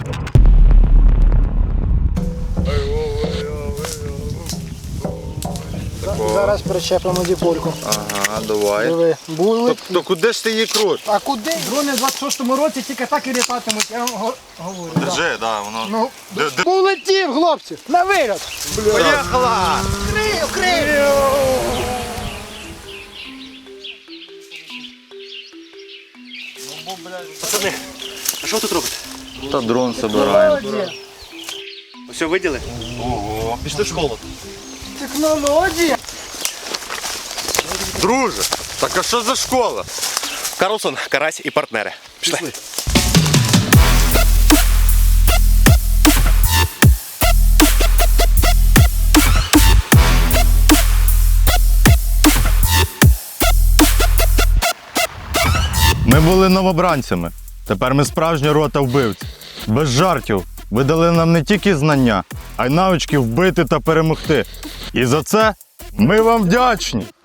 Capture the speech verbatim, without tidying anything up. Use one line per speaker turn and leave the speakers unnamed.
Зараз причепимо діпольку.
Ага, давай.
Диви, були.
То, то куди ж ти її крутиш?
А куди? Дрони в двадцять шостому році тільки так і літатимуть, я вам го- говорю. да.
Держи, да, воно.
Ну,
Де- де-
полетів, хлопці, на виліт.
Поїхала!
Крию, крию.
Пацани, а що ви тут робите?
Та дрон собираємо.
Технологія.
Все виділи?
Ого.
Пішли в школу.
Технологія.
Друже, так а що за школа?
Карлсон, Карась і партнери. Пішли.
Ми були новобранцями. Тепер ми справжня рота вбивців. Без жартів. Ви дали нам не тільки знання, а й навички вбити та перемогти. І за це ми вам вдячні.